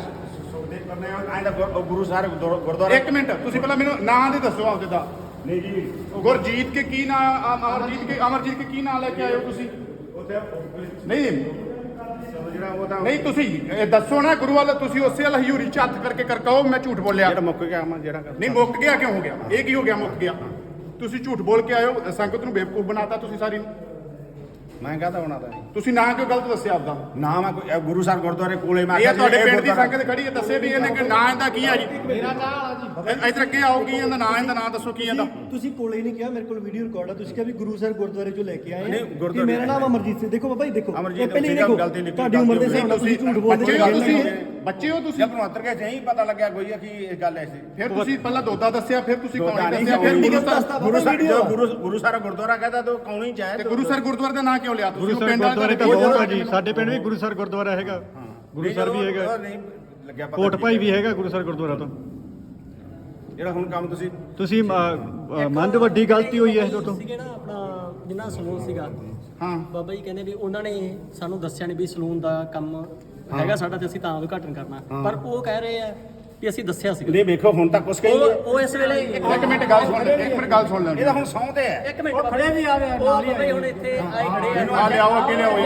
S3: ਗੁਰੂ ਸਾਹਿਬ ਗੁਰਦੁਆਰਾ।
S2: ਇੱਕ ਮਿੰਟ, ਤੁਸੀਂ ਪਹਿਲਾਂ ਮੈਨੂੰ ਨਾਂ ਦੇ ਦੱਸੋ ਆਪਦੇ ਦਾ।
S3: ਨਹੀਂ ਜੀ
S2: ਗੁਰਜੀਤ ਕੇ ਕੀ ਨਾਂ, ਅਮਰਜੀਤ ਕੇ ਕੀ ਨਾਂ ਲੈ ਕੇ ਆਏ ਹੋ ਤੁਸੀਂ? ਨਹੀਂ
S3: ਜਿਹੜਾ ਉਹ ਤਾਂ
S2: ਨਹੀਂ, ਤੁਸੀਂ ਇਹ ਦੱਸੋ ਨਾ ਗੁਰੂ ਵਾਲਾ, ਤੁਸੀਂ ਉਸੇ ਵਾਲਾ ਹਜ਼ੂਰੀ 'ਚ ਹੱਥ ਕਰਕੇ ਕਰ ਕਹੋ ਮੈਂ ਝੂਠ ਬੋਲਿਆ।
S3: ਜਿਹੜਾ ਮੁੱਕ ਗਿਆ ਮੈਂ ਜਿਹੜਾ
S2: ਨਹੀਂ ਮੁੱਕ ਗਿਆ ਕਿਉਂ ਹੋ ਗਿਆ? ਇਹ ਕੀ ਹੋ ਗਿਆ ਮੁੱਕ ਗਿਆ? ਤੁਸੀਂ ਝੂਠ ਬੋਲ ਕੇ ਆਇਓ, ਸੰਗਤ ਨੂੰ ਬੇਵਕੂਫ ਬਣਾਤਾ ਤੁਸੀਂ ਸਾਰੀ ਨੂੰ।
S3: ਮੈਂ ਕਹਤਾ ਹੋਣਾ ਤਾਂ
S2: ਤੁਸੀਂ ਨਾਂ ਕਿਉਂ ਗਲਤ ਦੱਸਿਆ ਆਪਦਾ?
S3: ਨਾਮ ਹੈ ਕੋਈ ਗੁਰੂ ਸਾਹਿਬ ਗੁਰਦੁਆਰੇ ਕੋਲੇ ਮੈਂ
S2: ਇਹ ਤੁਹਾਡੇ ਪਿੰਡ ਦੀ ਸੰਗਤ ਖੜੀ ਹੈ, ਦੱਸੇ ਵੀ ਇਹਨੇ ਕਿ ਨਾਂ ਇਹਦਾ ਕੀ ਆ ਜੀ? ਮੇਰਾ ਇੱਧਰ ਅੱਗੇ ਆਓ, ਕੀ ਇਹਦਾ ਨਾਂ? ਇਹਦਾ ਨਾਂ ਦੱਸੋ ਕੀ ਇਹਦਾ?
S4: ਤੁਸੀਂ ਕੋਲੇ ਨਹੀਂ ਕਿਹਾ, ਮੇਰੇ ਕੋਲ ਵੀਡੀਓ ਰਿਕਾਰਡ ਆ, ਤੁਸੀਂ ਕਿਹਾ ਵੀ ਗੁਰੂ ਸਾਹਿਬ ਗੁਰਦੁਆਰੇ ਚੋਂ ਲੈ ਕੇ ਆਏ
S3: ਨਹੀਂ,
S4: ਆ
S3: ਗੁਰਦੁਆਰੇ
S4: ਕਿ ਮੇਰਾ ਨਾਮ ਅਮਰਜੀਤ ਸਿੰਘ। ਦੇਖੋ ਬਾਬਾ ਜੀ, ਦੇਖੋ
S3: ਅਮਰਜੀਤ
S4: ਇਹ ਪਹਿਲੀ
S3: ਸਿੰਘ
S4: ਦੇਖੋ,
S3: ਗਲਤੀ ਨਿਕਲੀ,
S4: ਤੁਹਾਡੀ ਉਮਰ ਦੇ ਹਿਸਾਬ ਨਾਲ ਤੁਸੀਂ ਝੂਠ ਬੋਲਦੇ
S2: ਬੱਚੇ ਹੋ ਤੁਸੀਂ, ਬੱਚੇ ਹੋ ਤੁਸੀਂ।
S3: ਜਦ ਨੂੰ ਅੰਤਰ ਕੇ ਨਹੀਂ ਪਤਾ ਲੱਗਿਆ ਕੋਈ ਕਿ ਇਹ ਗੱਲ ਐਸੀ।
S2: ਫਿਰ ਤੁਸੀਂ ਪਹਿਲਾਂ ਦੋਦਾ ਦੱਸਿਆ, ਫਿਰ ਤੁਸੀਂ ਕੌਣੀ
S3: ਦੋਦਾ ਨਹੀਂ
S2: ਦੱਸਿਆ, ਫਿਰ
S3: ਗੁਰੂ
S2: ਗੁਰੂ
S3: ਸਾਹਿਬ ਗੁਰਦੁਆਰਾ ਕਹਿੰਦਾ ਤਾਂ ਕੌਣੀ ਚਾਹੇ।
S2: ਤੇ ਗੁਰੂ ਸਰ ਗੁਰਦੁਆਰੇ ਦਾ ਨਾਂ ਕਿਉਂ ਲਿਆ ਤੁਸੀਂ?
S8: ਗੁਰੂ ਸਾਹਿਬ ਗੁਰਦੁਆਰੇ ਤਾਂ ਬਹੁਤ ਆ ਜੀ, ਸਾਡੇ ਪਿੰਡ ਵੀ ਗੁਰੂ ਸਰ ਗੁਰਦੁਆਰਾ ਹੈਗਾ, ਗੁਰੂ ਸਰ ਵੀ ਹੈਗਾ,
S3: ਨਹੀਂ ਲੱਗਿਆ ਪਤਾ।
S8: ਕੋਟ ਭਾਈ ਵੀ ਹੈਗਾ ਗੁਰੂ ਸਰ ਗੁਰਦੁਆਰਾ ਤੋਂ।
S3: ਜਿਹੜਾ ਹੁਣ ਕੰਮ
S8: ਤੁਸੀਂ ਮੰਦ ਵੱਡੀ ਗਲਤੀ ਹੋਈ ਹੈ ਤੋਂ।
S5: ਸੀਗੇ ਨਾ ਆਪਣਾ ਜਿੰਨਾ ਸਲੂਨ ਸੀਗਾ,
S2: ਹਾਂ
S5: ਬਾਬਾ ਜੀ ਕਹਿੰਦੇ ਵੀ ਉਹਨਾਂ ਨੇ ਸਾਨੂੰ ਦੱਸਿਆ ਨਹੀਂ ਵੀ ਸਲੂਨ ਦਾ ਕੰਮ ਹੈਗਾ ਸਾਡਾ ਤੇ ਅਸੀਂ ਤਾਂ ਉਦਘਾਟਨ ਕਰਨਾ, ਪਰ ਉਹ ਕਹਿ ਰਹੇ ਆ ਵੀ ਅਸੀਂ ਦੱਸਿਆ ਸੀ।
S3: ਨਹੀਂ ਵੇਖੋ ਹੁਣ ਤੱਕ ਕੁਛ ਕਹੀ
S5: ਉਹ ਇਸ ਵੇਲੇ
S2: ਇੱਕ ਮਿੰਟ ਗੱਲ ਸੁਣ, ਇੱਕ ਮਿੰਟ ਗੱਲ ਸੁਣ ਲੈਣ।
S3: ਇਹਦਾ ਹੁਣ ਸੌਂ ਤੇ ਹੈ।
S5: ਇੱਕ ਮਿੰਟ ਖੜੇ ਵੀ ਆ ਰਹੇ ਨਾਲ ਹੀ ਹੁਣ ਇੱਥੇ ਆਏ ਖੜੇ
S2: ਆ ਲਿਆਓ, ਅੱਗੇ ਲਿਆਓ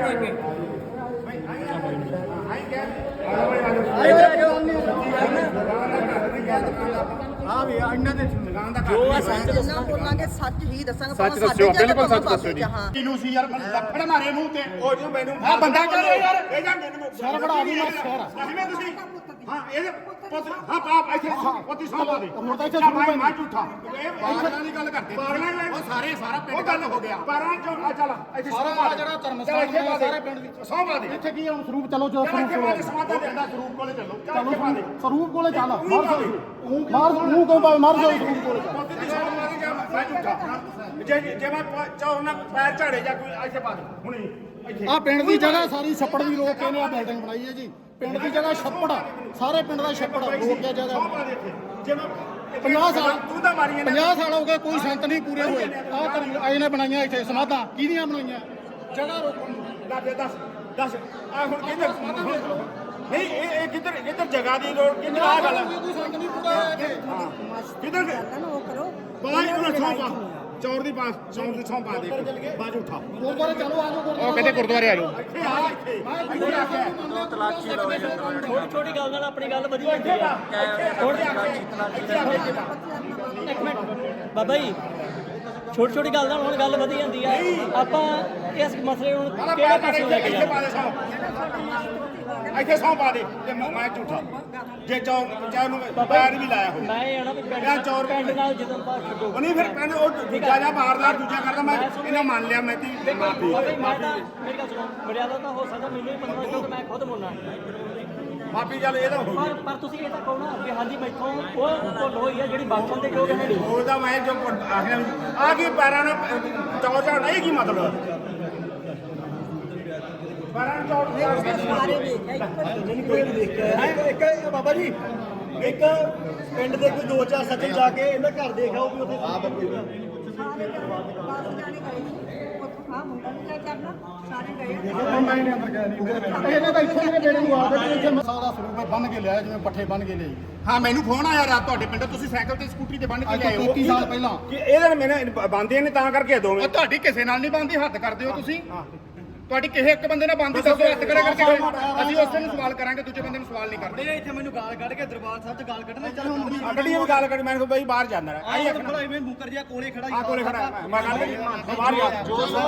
S3: ਹਾਂ ਵੀ ਇਹਨਾਂ ਦੇ ਦੁਕਾਨ ਦਾ
S5: ਜੋ ਆ ਸੱਚ
S1: ਜਿੰਨਾ ਬੋਲਾਂਗੇ ਸੱਚ ਹੀ ਦੱਸਾਂਗੇ।
S2: ਸੱਚ ਦੱਸਿਓ, ਬਿਲਕੁਲ ਸੱਚ ਦੱਸਿਓ ਜੀ। ਕਿਨੂੰ ਸੀ ਯਾਰ ਲੱਫੜ ਮਾਰੇ ਮੂੰਹ ਤੇ?
S3: ਉਹ ਜੀ ਮੈਨੂੰ
S2: ਆ ਬੰਦਾ ਕਰ ਰਿਹਾ ਯਾਰ,
S3: ਇਹ ਜਾਂ ਮੈਨੂੰ
S2: ਸਰ ਬੜਾ ਦੀ ਮੈਂ ਸਰ
S3: ਜਿਵੇਂ ਤੁਸੀਂ ਹਾਂ ਇਹਦੇ ਪੁੱਤ ਆਪ ਇੱਥੇ ਪੁੱਤੀ ਸੌਂਪਾ ਦੇ।
S2: ਹੁਣ ਤਾਂ ਇੱਥੇ
S3: ਮੈਂ ਝੂਠਾ ਇਹ
S2: ਪਾਗਲਾਂ ਦੀ ਗੱਲ ਕਰਦੇ, ਉਹ ਸਾਰੇ ਸਾਰਾ ਪਿੰਡ ਗੱਲ ਹੋ ਗਿਆ।
S3: ਪਾਰਾਂ ਚੋਂ ਆ ਚੱਲ ਇੱਥੇ
S2: ਸਾਰਾ ਜਿਹੜਾ ਧਰਮ ਸਥਾਨ ਹੈ ਸਾਰੇ ਪਿੰਡ ਦੀ
S3: ਸੌਂਪਾ ਦੇ।
S2: ਇੱਥੇ ਕੀ ਹੁਣ ਸਰੂਪ ਚਲੋ ਜੋ ਸਰੂਪ
S3: ਸਮਾਦਾ ਦੇਂਦਾ ਸਰੂਪ ਕੋਲੇ ਚੱਲੋ।
S2: ਚਲੋ ਸਰੂਪ ਕੋਲੇ ਚੱਲ ਮਾਰ ਮੂੰਹ ਕੋ ਮਾਰ ਜਾਓ ਸਰੂਪ ਕੋਲੇ
S3: ਮੈਂ ਝੂਠਾ ਜੇ ਮੈਂ ਚਾਹੋ ਨਾ ਪੈਰ ਝਾੜੇ ਜਾਂ ਕੋਈ ਇੱਥੇ ਪਾ ਦੇ ਹੁਣੇ ਇੱਥੇ।
S7: ਆ ਪਿੰਡ ਦੀ ਜਗ੍ਹਾ ਸਾਰੀ ਛੱਪੜ ਦੀ ਰੋਕ ਕੇ ਇਹਨੇ ਆ ਬਿਲਡਿੰਗ ਬਣਾਈ ਹੈ ਜੀ। ਪਿੰਡ ਦੀ ਜਗ੍ਹਾ ਛੱਪੜ, ਸਾਰੇ ਪਿੰਡ ਦਾ ਛੱਪੜ ਰੋਕ ਕੇ ਜਗ੍ਹਾ।
S3: ਜੇ ਮੈਂ
S7: 50 ਸਾਲ
S3: ਤੂੰ ਤਾਂ ਮਾਰੀ
S7: 50 ਸਾਲ ਹੋ ਗਏ ਕੋਈ ਸੰਤ ਨਹੀਂ ਪੂਰੇ ਹੋਏ। ਆਹ ਇਹਨੇ ਬਣਾਈਆਂ ਇੱਥੇ ਸਮਾਧਾਂ, ਕਿਹਦੀਆਂ ਬਣਾਈਆਂ? ਜਗ੍ਹਾ ਰੋਕਣ ਨੂੰ।
S3: ਦੱਸ ਆ ਹੁਣ ਕਿੱਧਰ ਨਹੀਂ ਇਹ ਕਿੱਧਰ ਜਗ੍ਹਾ ਦੀ ਲੋੜ ਕਿੱਧਰ ਆ ਗੱਲ
S7: ਕੋਈ ਸੰਤ ਨਹੀਂ ਪੂਰਾ ਹੋਇਆ ਇੱਥੇ।
S3: ਕਿੱਧਰ
S1: ਉਹ ਕਰੋ
S3: ਬਾਈ ਨੂੰ ਸੌਂਪਾ ਚੌਰ ਦੀ ਪਾਸ ਚੌਰ ਦੀ ਸੌਂਪਾ ਦੇ ਬਾਜ ਉਠਾ
S7: ਗੁਰਦੁਆਰੇ ਚਲੋ, ਆਜੋ ਗੁਰਦੁਆਰੇ।
S2: ਉਹ ਕਹਿੰਦੇ ਗੁਰਦੁਆਰੇ ਆ ਜਾਓ।
S3: ਇੱਥੇ ਆ ਇੱਥੇ
S5: ਛੋਟੀ ਛੋਟੀ ਗੱਲ ਨਾਲ ਆਪਣੀ ਗੱਲ ਵਧੀਆ ਹੁੰਦੀ ਆ। ਇੱਕ ਮਿੰਟ ਬਾਬਾ ਜੀ, ਛੋਟੀ ਛੋਟੀ ਗੱਲ ਨਾਲ ਹੁਣ ਗੱਲ ਵਧੀ ਜਾਂਦੀ ਆ। ਆਪਾਂ ਇਸ ਮਸਲੇ ਨੂੰ ਕਿਹੜੇ ਪਾਸੇ ਲੈ ਕੇ
S3: ਇੱਥੇ
S5: ਜਾਣਾ?
S3: ਪਾ ਦੇ ਸੌਂ, ਇੱਥੇ ਸੌਂ ਪਾ ਦੇ ਤੇ ਮੈਂ ਝੂਠਾ ਜੇ ਚਾਹ ਨੂੰ ਪੈਰ ਵੀ ਲਾਇਆ ਹੋਵੇ
S5: ਮੈਂ ਇਹ ਆਣਾ ਵੀ
S3: ਯਾਰ ਚੌਰ
S5: ਪਿੰਡ ਨਾਲ ਜਦੋਂ ਬਾਤ ਛੱਡੋ
S3: ਉਹ ਨਹੀਂ ਫਿਰ ਕਹਿੰਦੇ ਉਹ ਦੂਜਾ ਜਾਂ ਬਾਹਰਦਾਰ ਦੂਜਾ ਕਰਦਾ ਮੈਂ ਇਹਨਾਂ ਮੰਨ ਲਿਆ ਮੈਂ ਤੀ ਮਾਫੀ
S5: ਬਾਬਾ ਜੀ, ਮੈਂ ਤਾਂ ਮੇਰੀ ਗੱਲ ਸੁਣੋ, ਮਰਿਆਦਾ ਤਾਂ ਹੋ ਸਕਦਾ ਮੈਨੂੰ ਹੀ 15 ਕਿਲੋ ਮੈਂ ਖੁਦ ਮੁੰਨਾ
S3: ਮਾਫੀ ਚੱਲ ਇਹ ਤਾਂ ਹੋ ਗਈ
S5: ਪਰ ਤੁਸੀਂ ਇਹ ਤਾਂ ਕਹੋ ਨਾ ਕਿ ਹਾਂਜੀ ਮੈਥੋਂ ਉਹ ਭੁੱਲ ਹੋਈ ਆ ਜਿਹੜੀ ਬਾਥਰੂਮ ਦੇ ਯੋਗ ਹੈ ਨਹੀਂ।
S3: ਉਹਦਾ ਮੈਂ ਜੋ ਆਖਿਆ ਆ ਕੀ ਪੈਰਾਂ ਨਾਲ ਚੌੜ ਚੜ ਨਹੀਂ ਕੀ ਮਤਲਬ ਪੈਰਾਂ ਨਾਲ ਚੌੜ
S1: ਸਾਰੇ ਵੇਖਿਆ
S4: ਇੱਕ ਬਾਬਾ ਜੀ ਇੱਕ ਪਿੰਡ ਦੇ ਕੋਈ 2-4 ਸੱਜਣ ਜਾ ਕੇ ਇਹਨਾਂ ਘਰ ਦੇਖ ਆਓ ਵੀ ਉੱਥੇ
S1: ਸਾਰੇ ਜਾਣੇ ਗਏ ਉੱਥੋਂ ਆ ਮੁੰਡਾ ਵੀ ਕਰਨਾ ਸਾਰੇ ਗਏ
S7: ਮੈਂ ਨਹੀਂ ਅੰਦਰ ਗਿਆ ਨਹੀਂ ਇਹਨੇ ਤਾਂ ਇੱਥੇ ਮੇਰੇ ਬੇੜੇ ਨੂੰ ਆ ਕੇ ਇੱਥੇ ਮਸਾਲਾ ਦਾ ਸਰੂਪ ਬੰਨ ਕੇ ਲਿਆਇਆ ਜਿਵੇਂ ਪੱਠੇ ਬੰਨ ਕੇ ਲਿਆਈ
S2: ਹਾਂ ਮੈਨੂੰ ਫੋਨ ਆਇਆ ਰਾਤ ਤੁਹਾਡੇ ਪਿੰਡ ਤੁਸੀਂ ਸਾਈਕਲ ਤੇ ਸਕੂਟਰੀ ਤੇ ਬੰਨ ਕੇ
S7: ਅੱਜ
S2: ਲਿਆਏ
S7: ਤੋਂ
S2: ਹੋ
S7: 33 ਸਾਲ ਪਹਿਲਾਂ
S3: ਕਿ ਇਹਦੇ ਮੈਨੇ ਬੰਦੇ ਨੇ ਤਾਂ ਕਰਕੇ ਦੋਵੇਂ
S2: ਉਹ ਤੁਹਾਡੀ ਕਿਸੇ ਨਾਲ ਨਹੀਂ ਬੰਦੀ ਹੱਦ ਕਰਦੇ ਹੋ ਤੁਸੀਂ ਤੁਹਾਡੀ ਕਿਸੇ ਇੱਕ ਬੰਦੇ ਨਾਲ ਬੰਦੀ ਦੱਸੋ ਹੱਦ ਕਰੇ ਕਰਕੇ ਅਸੀਂ ਉਸੇ ਨੂੰ ਸਵਾਲ ਕਰਾਂਗੇ ਦੂਜੇ ਬੰਦੇ ਨੂੰ ਸਵਾਲ ਨਹੀਂ ਕਰਦੇ
S4: ਇੱਥੇ ਮੈਨੂੰ ਗਾਲ ਕੱਢ ਕੇ ਦਰਬਾਰ ਸਾਹਿਬ 'ਚ ਗਾਲ ਕੱਢਣੇ ਚੱਲ ਹੁਣ
S3: ਅਗਲੀ ਵੀ ਗੱਲ ਕਰੀ ਮੈਂ ਕਿਹਾ ਬਈ ਬਾਹਰ ਜਾਂਦਾ ਰਿਹਾ ਆਈ ਆਖਣਾ
S4: ਭਲਾ ਇਵੇਂ ਮੁੱਕਰ ਜਿਹਾ ਕੋਲੇ ਖੜਾ
S3: ਆ ਕੋਲੇ ਖੜਾ ਮੈਂ ਗੱਲ ਕਰੀ ਬਾਹਰ ਜਾ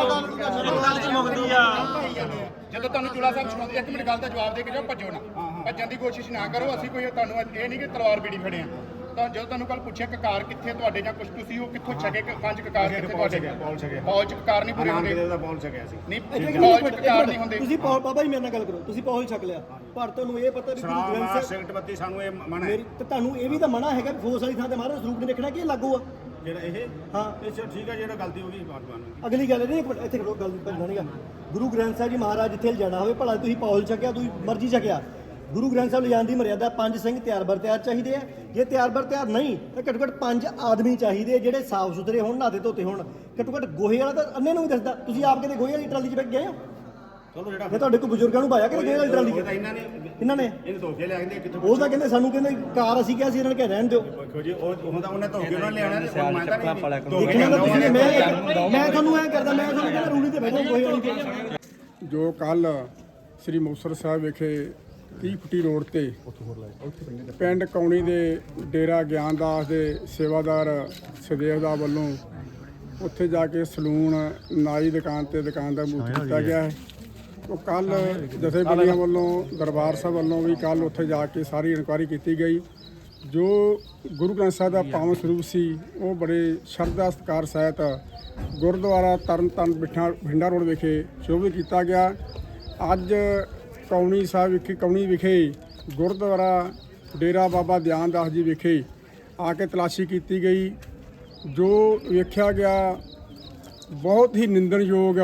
S2: ਜਦੋਂ ਤੁਹਾਨੂੰ ਚੂਲਾ ਸਾਹਿਬ ਸੁਣਾਉਂਦੇ ਇੱਕ ਮਿੰਟ ਗੱਲ ਦਾ ਜਵਾਬ ਦੇ ਕੇ ਜਾਓ ਭੱਜੋ ਨਾ ਭੱਜਣ ਦੀ ਕੋਸ਼ਿਸ਼ ਨਾ ਕਰੋ ਅਸੀਂ ਕੋਈ ਤੁਹਾਨੂੰ ਇਹ ਨਹੀਂ ਕਿ ਤਲਵਾਰ ਬੀੜੀ ਫੜੇ ਆ ਤਾਂ ਜਦੋਂ ਤੁਹਾਨੂੰ ਕੱਲ ਪੁੱਛਿਆ ਕਕਾਰ ਕਿੱਥੇ ਤੁਹਾਡੇ ਜਾਂ ਕੁਝ ਤੁਸੀਂ ਉਹ ਕਿੱਥੋਂ ਛਕੇ ਪੰਜ ਕਕਾਰ ਕਿੱਥੇ ਤੁਹਾਡੇ ਪਹੁੰਚ ਚ ਕਕਾਰ ਨਹੀਂ ਪੂਰੇ ਹੁੰਦੇ
S3: ਦਾ ਪਹੁੰਚ ਗਿਆ ਸੀ
S2: ਨਹੀਂ ਪਹੁੰਚ ਚ ਕਕਾਰ ਨਹੀਂ ਹੁੰਦੇ
S4: ਤੁਸੀਂ ਬਾਬਾ ਜੀ ਮੇਰੇ ਨਾਲ ਗੱਲ ਕਰੋ ਤੁਸੀਂ ਪੌਲ ਛਕ ਲਿਆ ਪਰ ਤੁਹਾਨੂੰ ਇਹ ਪਤਾ ਵੀ ਗੁਰੂ
S3: ਸ਼ਰਾਬ
S4: ਗ੍ਰੰਥ
S3: ਮਾਰ
S4: ਸਾਹਿਬ
S3: ਸਿਗਰਟ ਬੱਤੀ ਸਾਨੂੰ ਇਹ ਮਨਾ ਹੈ
S4: ਮੇਰੀ ਤੇ ਤੁਹਾਨੂੰ ਇਹ ਵੀ ਤਾਂ ਮਨਾ ਹੈਗਾ ਵੀ ਫੋਰਸ ਵਾਲੀ ਥਾਂ ਤੇ ਮਹਾਰਾਜ ਸਰੂਪ ਨਹੀਂ ਦੇਖਣਾ ਕਿ ਇਹ ਲਾਗੂ ਆ
S3: ਜਿਹੜਾ ਇਹ
S4: ਹਾਂ
S3: ਇਹ ਠੀਕ ਹੈ ਜਿਹੜਾ ਗਲਤੀ ਹੋ ਗਈ ਬਾਤ ਬਾਤ
S4: ਅਗਲੀ ਗੱਲ ਨਹੀਂ ਇੱਕ ਮਿੰਟ ਇੱਥੇ ਖੜੋ ਗੱਲ ਭੱਜਣਾ ਨਹੀਂਗਾ ਗੁਰੂ ਗ੍ਰੰਥ ਸਾਹਿਬ ਜੀ ਮਹਾਰਾਜ ਜਿੱਥੇ ਜਾਣਾ ਹੋਵੇ ਭਲਾ ਤੁਸੀਂ ਪੌਲ ਛਕਿਆ ਤੁਸੀਂ ਮਰਜ਼ੀ ਛਕਿਆ ਗੁਰੂ ਗ੍ਰੰਥ ਸਾਹਿਬ ਲਿਜਾਣ ਦੀ ਮਰਿਆਦਾ 5 ਸਿੰਘ ਤਿਆਰ ਬਰ ਤਿਆਰ ਚਾਹੀਦੇ ਆ ਜੇ ਤਿਆਰ ਬਰ ਤਿਆਰ ਨਹੀਂ ਤਾਂ ਘੱਟੋ ਘੱਟ 5 ਆਦਮੀ ਚਾਹੀਦੇ ਜਿਹੜੇ ਸਾਫ਼ ਸੁਥਰੇ ਹੋਣ ਨਹਾਤੇ ਧੋਤੇ ਹੋਣ ਘੱਟੋ ਘੱਟ ਗੋਹੇ ਵਾਲਾ ਤਾਂ ਅੰਨੇ ਨੂੰ ਵੀ ਦੱਸਦਾ ਤੁਸੀਂ ਆਪ ਕਿਤੇ ਗੋਹੇ ਵਾਲੀ ਟਰਾਲੀ 'ਚ ਬੈਠ ਗਏ ਹੋ
S3: ਚਲੋ ਜਿਹੜਾ
S4: ਮੈਂ ਤੁਹਾਡੇ ਕੋਲ ਬਜ਼ੁਰਗਾਂ ਨੂੰ ਪਾਇਆ ਕਿ ਗੋਹੇ ਵਾਲੀ ਟਰਾਲੀ 'ਚ
S3: ਇਹਨਾਂ ਨੇ
S4: ਇਹਨਾਂ ਨੇ
S3: ਇਹਨੂੰ ਧੋਕੇ ਲੈ ਆਂਦੇ ਕਿੱਥੋਂ
S4: ਉਹ ਤਾਂ ਕਹਿੰਦੇ ਸਾਨੂੰ ਕਹਿੰਦੇ ਕਾਰ ਅਸੀਂ ਕਿਹਾ ਸੀ ਇਹਨਾਂ ਨੇ ਕਿਹਾ ਰਹਿਣ ਦਿਓ
S3: ਦੇਖੋ ਜੀ ਉਹ ਹੁੰਦਾ ਉਹਨੇ ਧੋਕੇ ਉਹਨਾਂ ਲਿਆਉਣਾ ਤੇ ਹੁਣ ਮੈਂ ਤਾਂ ਨਹੀਂ
S4: ਦੇਖਣਾ ਤਾਂ ਤੁਸੀਂ ਮੈਂ ਤੁਹਾਨੂੰ ਐਂ ਕਰਦਾ ਮੈਂ ਤੁਹਾਨੂੰ ਕਹਿੰਦਾ ਰੂੜੀ ਤੇ ਬੈਠੋ ਗੋਹੇ ਵਾਲੀ ਤੇ
S9: ਜੋ ਕੱਲ ਸ੍ਰੀ ਮੁਕਤਸਰ ਸਾਹਿਬ ਵਿਖੇ 30 ਫੁੱਟੀ ਰੋਡ ਤੇ ਪਿੰਡ ਕੌਣੀ ਦੇ ਡੇਰਾ ਗਿਆਨਦਾਸ ਦੇ ਸੇਵਾਦਾਰ ਸਦੇਵ ਦਾ ਵੱਲੋਂ ਉੱਥੇ ਜਾ ਕੇ ਸਲੂਨ ਨਾਈ ਦੁਕਾਨ ਤੇ ਦੁਕਾਨ ਦਾ ਮੂਰਤ ਕੀਤਾ ਗਿਆ ਹੈ। ਉਹ ਕੱਲ ਜਥੇਬੰਦੀਆਂ ਵੱਲੋਂ ਦਰਬਾਰ ਸਾਹਿਬ ਵੱਲੋਂ ਵੀ ਕੱਲ ਉੱਥੇ ਜਾ ਕੇ ਸਾਰੀ ਇਨਕੁਆਇਰੀ ਕੀਤੀ ਗਈ। ਜੋ ਗੁਰੂ ਗ੍ਰੰਥ ਸਾਹਿਬ ਦਾ ਪਾਵਨ ਸਰੂਪ ਸੀ ਉਹ ਬੜੇ ਸ਼ਰਧਾ ਸਤਿਕਾਰ ਸਹਿਤ ਗੁਰਦੁਆਰਾ ਤਰਨਤਾਰਨ ਬਠਿੰਡਾ ਰੋਡ ਵਿਖੇ ਸ਼ੋਭਿਤ ਕੀਤਾ ਗਿਆ। ਅੱਜ ਕੌਣੀ ਸਾਹਿਬ ਵਿਖੇ ਕੌਣੀ ਵਿਖੇ ਗੁਰਦੁਆਰਾ ਡੇਰਾ ਬਾਬਾ ਦਿਆਨਦਾਸ ਜੀ ਵਿਖੇ ਆ ਕੇ ਤਲਾਸ਼ੀ ਕੀਤੀ ਗਈ। ਜੋ ਵੇਖਿਆ ਗਿਆ ਬਹੁਤ ਹੀ ਨਿੰਦਣਯੋਗ,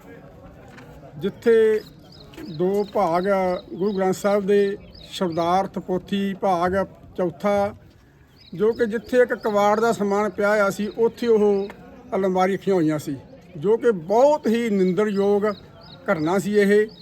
S9: ਜਿੱਥੇ ਦੋ ਭਾਗ ਗੁਰੂ ਗ੍ਰੰਥ ਸਾਹਿਬ ਦੇ ਸ਼ਬਦਾਰਥ ਪੋਥੀ ਭਾਗ ਚੌਥਾ, ਜੋ ਕਿ ਜਿੱਥੇ ਇੱਕ ਕਵਾੜ ਦਾ ਸਮਾਨ ਪਿਆ ਹੋਇਆ ਸੀ ਉੱਥੇ ਉਹ ਅਲਮਾਰੀ ਰੱਖੀਆਂ ਹੋਈਆਂ ਸੀ, ਜੋ ਕਿ ਬਹੁਤ ਹੀ ਨਿੰਦਣਯੋਗ ਘਟਨਾ ਸੀ।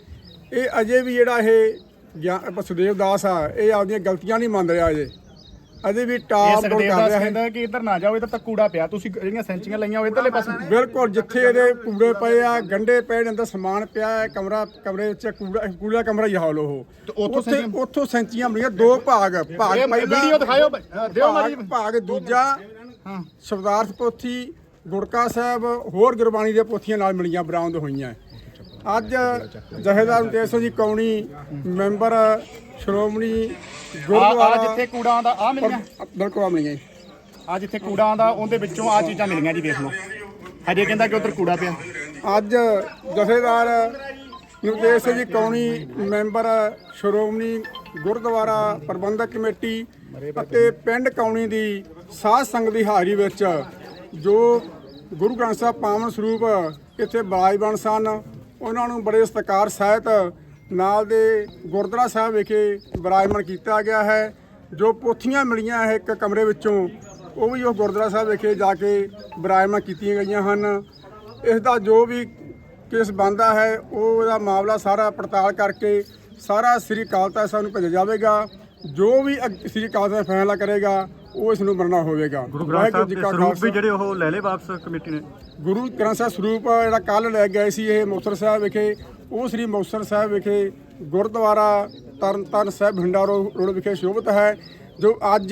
S9: ਇਹ ਅਜੇ ਵੀ ਜਿਹੜਾ ਇਹ ਸੁਦੇਵ ਦਾਸ ਆ ਇਹ ਆਪਦੀਆਂ ਗਲਤੀਆਂ ਨਹੀਂ ਮੰਨ ਰਿਹਾ ਅਜੇ ਵੀ ਟਾਪ ਡਾਊਨ ਕਰ ਰਿਹਾ ਹੈ।
S2: ਕਹਿੰਦਾ ਕਿ ਇੱਧਰ ਨਾ ਜਾਓ, ਇਹ ਤਾਂ ਕੂੜਾ ਪਿਆ, ਤੁਸੀਂ ਜਿਹੜੀਆਂ ਸੈਂਚੀਆਂ ਲਈਆਂ ਉਹ ਇੱਧਰਲੇ ਪਾਸੇ
S9: ਬਿਲਕੁਲ ਜਿੱਥੇ ਇਹਦੇ ਕੂੜੇ ਪਏ ਆ, ਗੰਡੇ ਪਏ ਨੇ, ਅੰਦਰ ਸਮਾਨ ਪਿਆ ਹੈ, ਕਮਰੇ ਵਿੱਚ ਕੂੜਾ ਕਮਰਾ ਹੀ ਹਾਲ ਉਹ ਉੱਥੋਂ ਸੈਂਚੀਆਂ ਬਣੀਆਂ ਦੋ ਭਾਗ
S2: ਵੀਡੀਓ ਦਿਖਾਇਓ ਦਿਓ ਮਾਰੀ
S9: ਭਾਗ ਦੂਜਾ ਸ਼ਬਦਾਰਥ ਪੋਥੀ ਗੁਰਕਾ ਸਾਹਿਬ ਹੋਰ ਗੁਰਬਾਣੀ ਦੀਆਂ ਪੋਥੀਆਂ ਨਾਲ ਮਿਲੀਆਂ ਬਰਾਮਦ ਹੋਈਆਂ। ਅੱਜ ਜਥੇਦਾਰ ਮੁਕਤੇਸ਼ ਸਿੰਘ ਜੀ ਕੌਣੀ ਮੈਂਬਰ ਸ਼੍ਰੋਮਣੀ ਗੁਰਦੁਆਰਾ
S2: ਜਿੱਥੇ ਕੂੜਾ ਆਉਂਦਾ ਆ ਮਿਲੀਆਂ
S9: ਬਿਲਕੁਲ ਆ ਮਿਲੀਆਂ
S2: ਆ ਜਿੱਥੇ ਕੂੜਾ ਆਉਂਦਾ ਉਹਦੇ ਵਿੱਚੋਂ ਆ ਚੀਜ਼ਾਂ ਮਿਲੀਆਂ ਜੀ, ਵੇਖ ਲਓ। ਹਜੇ ਕਹਿੰਦਾ ਕਿ ਉੱਧਰ ਕੂੜਾ ਪਿਆ।
S9: ਅੱਜ ਜਥੇਦਾਰ ਮੁਕਤੇਸ਼ ਸਿੰਘ ਜੀ ਕੌਣੀ ਮੈਂਬਰ ਸ਼੍ਰੋਮਣੀ ਗੁਰਦੁਆਰਾ ਪ੍ਰਬੰਧਕ ਕਮੇਟੀ ਅਤੇ ਪਿੰਡ ਕੌਣੀ ਦੀ ਸਾਧ ਸੰਗਤ ਦੀ ਹਾਜ਼ਰੀ ਵਿੱਚ ਜੋ ਗੁਰੂ ਗ੍ਰੰਥ ਸਾਹਿਬ ਪਾਵਨ ਸਰੂਪ ਇੱਥੇ ਬਿਰਾਜਮਾਨ ਸਨ, ਉਹਨਾਂ ਨੂੰ ਬੜੇ ਸਤਿਕਾਰ ਸਹਿਤ ਨਾਲ ਦੇ ਗੁਰਦੁਆਰਾ ਸਾਹਿਬ ਵਿਖੇ ਬਿਰਾਜਮਾਨ ਕੀਤਾ ਗਿਆ ਹੈ। ਜੋ ਪੋਥੀਆਂ ਮਿਲੀਆਂ ਹੈ ਇੱਕ ਕਮਰੇ ਵਿੱਚੋਂ, ਉਹ ਵੀ ਉਹ ਗੁਰਦੁਆਰਾ ਸਾਹਿਬ ਵਿਖੇ ਜਾ ਕੇ ਬਿਰਾਜਮਾਨ ਕੀਤੀਆਂ ਗਈਆਂ ਹਨ। ਇਸ ਦਾ ਜੋ ਵੀ ਕੇਸ ਬਣਦਾ ਹੈ ਉਹਦਾ ਮਾਮਲਾ ਸਾਰਾ ਪੜਤਾਲ ਕਰਕੇ ਸਾਰਾ ਸ੍ਰੀ ਅਕਾਲ ਤਖ਼ਤ ਸਾਹਿਬ ਨੂੰ ਭੇਜਿਆ ਜਾਵੇਗਾ। ਜੋ ਵੀ ਸ੍ਰੀ ਅਕਾਲ ਤਖ਼ਤ ਫੈਸਲਾ ਕਰੇਗਾ ਉਹ ਇਸ ਨੂੰ ਮੰਨਣਾ ਹੋਵੇਗਾ।
S8: ਗੁਰੂ ਗ੍ਰੰਥ ਸਾਹਿਬ ਦੇ ਸਰੂਪ ਵੀ ਜਿਹੜੇ ਉਹ ਲੈ ਲਏ ਵਾਪਸ ਕਮੇਟੀ ਨੇ।
S9: ਗੁਰੂ ਗ੍ਰੰਥ ਸਾਹਿਬ ਸਰੂਪ ਜਿਹੜਾ ਕੱਲ ਲੈ ਗਏ ਸੀ ਇਹ ਮੁਕਤਸਰ ਸਾਹਿਬ ਵਿਖੇ, ਉਹ ਸ੍ਰੀ ਮੁਕਤਸਰ ਸਾਹਿਬ ਵਿਖੇ ਗੁਰਦੁਆਰਾ ਤਰਨਤਾਰਨ ਸਾਹਿਬ ਬਠਿੰਡਾ ਰੋਡ ਵਿਖੇ ਸ਼ੋਭਿਤ ਹੈ। ਜੋ ਅੱਜ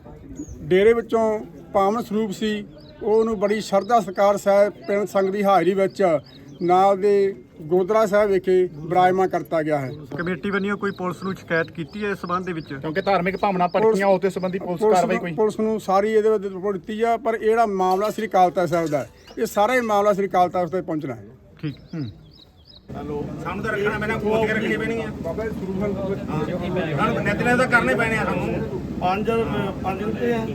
S9: ਡੇਰੇ ਵਿੱਚੋਂ ਪਾਵਨ ਸਰੂਪ ਸੀ ਉਹਨੂੰ ਬੜੀ ਸ਼ਰਧਾ ਸਤਿਕਾਰ ਸਹਿਤ ਪਿੰਡ ਸੰਗਤ ਦੀ ਹਾਜ਼ਰੀ ਵਿੱਚ ਨਾਲ ਦੇ ਗੁਰਦੁਆਰਾ ਸਾਹਿਬ ਵਿਖੇ ਬਿਰਾਜਮਾਨ ਕਰਤਾ ਗਿਆ ਹੈ।
S8: ਕਮੇਟੀ ਵੱਲੋਂ ਕੋਈ ਪੁਲਿਸ ਨੂੰ ਸ਼ਿਕਾਇਤ ਕੀਤੀ ਹੈ ਇਸ ਸਬੰਧ ਦੇ ਵਿੱਚ?
S2: ਕਿਉਂਕਿ ਧਾਰਮਿਕ ਭਾਵਨਾ ਭੜਕੀਆਂ ਉਸ ਦੇ ਸੰਬੰਧੀ ਪੁਲਿਸ ਕਾਰਵਾਈ ਕੋਈ
S9: ਪੁਲਿਸ ਨੂੰ ਸਾਰੀ ਇਹਦੇ ਵਿੱਚ ਰਿਪੋਰਟ ਦਿੱਤੀ ਆ, ਪਰ ਇਹ ਜਿਹੜਾ ਮਾਮਲਾ ਸ੍ਰੀ ਅਕਾਲ ਤਖ਼ਤ ਸਾਹਿਬ ਦਾ ਹੈ, ਇਹ ਸਾਰਾ ਹੀ ਮਾਮਲਾ ਸ੍ਰੀ ਅਕਾਲ ਤਖ਼ਤ ਤੇ ਪਹੁੰਚਣਾ ਹੈ।
S8: ਠੀਕ।
S3: ਸਾਨੂੰ ਤਾਂ ਰੱਖਣਾ ਪੈਣਾ, ਖੋਲ ਕੇ ਰੱਖਣੀ ਪੈਣੀ ਆ ਬਾਬਾ ਸਾਨੂੰ ਨਿਤਨੇਮ ਤਾਂ ਕਰਨੇ ਪੈਣੇ ਆ ਸਾਨੂੰ।
S4: 5 ਰੁਪਏ ਆ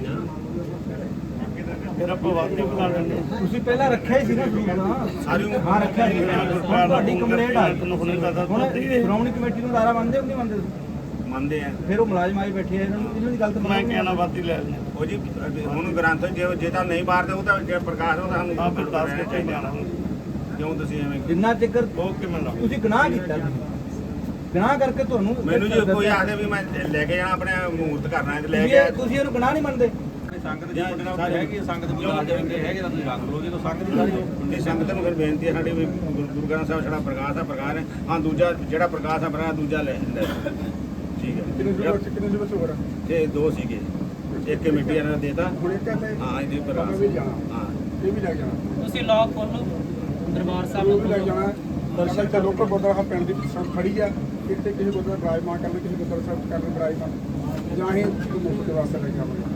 S4: ਫਿਰ ਆਪਾਂ ਵਾਪਸ ਬੁਲਾ ਲੈਂਦੇ। ਤੁਸੀਂ ਪਹਿਲਾਂ ਰੱਖਿਆ ਹੀ ਸੀ ਨਾ ਸਰੂਪ
S3: ਸਾਰੀ ਉਮਰ
S4: ਹਾਂ ਰੱਖਿਆ ਸੀ। ਤੁਹਾਡੀ ਕੰਪਲੇਂਟ ਆ ਹੁਣ ਸ਼੍ਰੋਮਣੀ ਕਮੇਟੀ ਨੂੰ ਦਾਰਾ ਮੰਨਦੇ ਹੋ ਨਹੀਂ ਮੰਨਦੇ?
S3: ਮੰਨਦੇ ਆ।
S4: ਫਿਰ ਉਹ ਮੁਲਾਜ਼ਮ ਆਏ ਬੈਠੇ ਆ, ਇਹਨਾਂ ਦੀ ਗੱਲ ਤਾਂ ਮੈਂ ਕਹਿਣਾ ਬਾਤੀ ਲੈ ਲੈਣੇ।
S3: ਉਹ ਜੀ ਹੁਣ ਗ੍ਰੰਥ ਜੇ ਤਾਂ ਨਹੀਂ ਬਾਹਰ ਉਹ ਤਾਂ ਜੇ ਪ੍ਰਕਾਸ਼ ਉਹ ਤਾਂ ਸਾਨੂੰ
S4: ਆ ਫਿਰ ਦੱਸ ਕੇ ਚਾਹੀਦਾ
S3: ਕਿਉਂ ਤੁਸੀਂ ਐਵੇਂ
S4: ਜਿੰਨਾ ਚਿਕਰ ਤੁਸੀਂ ਗੁਨਾਹ ਕੀਤਾ, ਗੁਨਾਹ ਕਰਕੇ ਤੁਹਾਨੂੰ
S3: ਮੈਨੂੰ ਜੀ ਕੋਈ ਆਖਦੇ ਵੀ ਮੈਂ ਲੈ ਕੇ ਜਾਣਾ ਆਪਣੇ ਮੂਰਤ ਕਰਨਾ ਤੇ ਲੈ ਕੇ
S4: ਤੁਸੀਂ ਇਹਨੂੰ ਗੁਨਾਹ ਨਹੀਂ ਮੰਨਦੇ।
S6: ਸੰਗਤ ਦੀ ਤੁਹਾਡੇ ਨਾਲ ਹੈਗੀ ਸੰਗਤ ਬੁਲਾ ਦੇਣਗੇ ਹੈਗੇ ਤਾਂ ਤੁਸੀਂ ਰੱਖ ਲਓ ਜਦੋਂ ਸੰਗਤ ਦੀ ਸਾਰੀ
S3: ਇਹ ਸੰਗਤ ਨੂੰ ਫਿਰ ਬੇਨਤੀ ਹੈ ਸਾਡੀ ਵੀ ਗੁਰੂ ਗ੍ਰੰਥ ਸਾਹਿਬ ਜਿਹੜਾ ਪ੍ਰਕਾਸ਼ ਆ ਪ੍ਰਕਾਸ਼ ਹੈ। ਹਾਂ ਦੂਜਾ ਜਿਹੜਾ ਪ੍ਰਕਾਸ਼ ਆ ਪ੍ਰਕਾਸ਼ ਦੂਜਾ ਲੈ ਠੀਕ ਹੈ।
S9: ਕਿੰਨੇ ਦਿਵਸ ਹੋ ਗਏ?
S3: ਇਹ ਦੋ ਸੀਗੇ, ਇੱਕ ਕਮੇਟੀ ਇਹਨਾਂ ਨੇ ਦੇਤਾ।
S9: ਹੁਣ ਇੱਕ ਹੈ
S3: ਹਾਂ ਇਹਦੀ
S9: ਇਹ
S3: ਪ੍ਰਕਾਸ਼
S9: ਵੀ ਜਾਣਾ,
S3: ਹਾਂ
S9: ਇਹ ਵੀ ਲੈ ਜਾਣਾ,
S5: ਤੁਸੀਂ ਲੌਕ ਖੋਲੋ ਦਰਬਾਰ ਸਾਹਿਬ
S9: ਉਹ ਵੀ ਲੈ ਜਾਣਾ। ਦਰਸ਼ਨ ਤੇ ਲੋਕਲ ਗੁਰਦੁਆਰਾ ਸਾਹਿਬ ਪਿੰਡ ਦੀ ਸੰਗਤ ਖੜੀ ਆ, ਇੱਥੇ ਕਿਸੇ ਗੁਰਦੁਆਰਾ ਬਿਰਾਜਮਾਨ ਕਰਨ, ਕਿਸੇ ਗੁਰਦੁਆਰਾ ਸਾਹਿਬ ਕਰਨ ਬਿਰਾਜਮਾਨ, ਜਾਂ ਅਸੀਂ ਮੁਫਤ ਦੇ ਵਾਸਤੇ ਲੈ ਕੇ ਆਵਾਂਗੇ।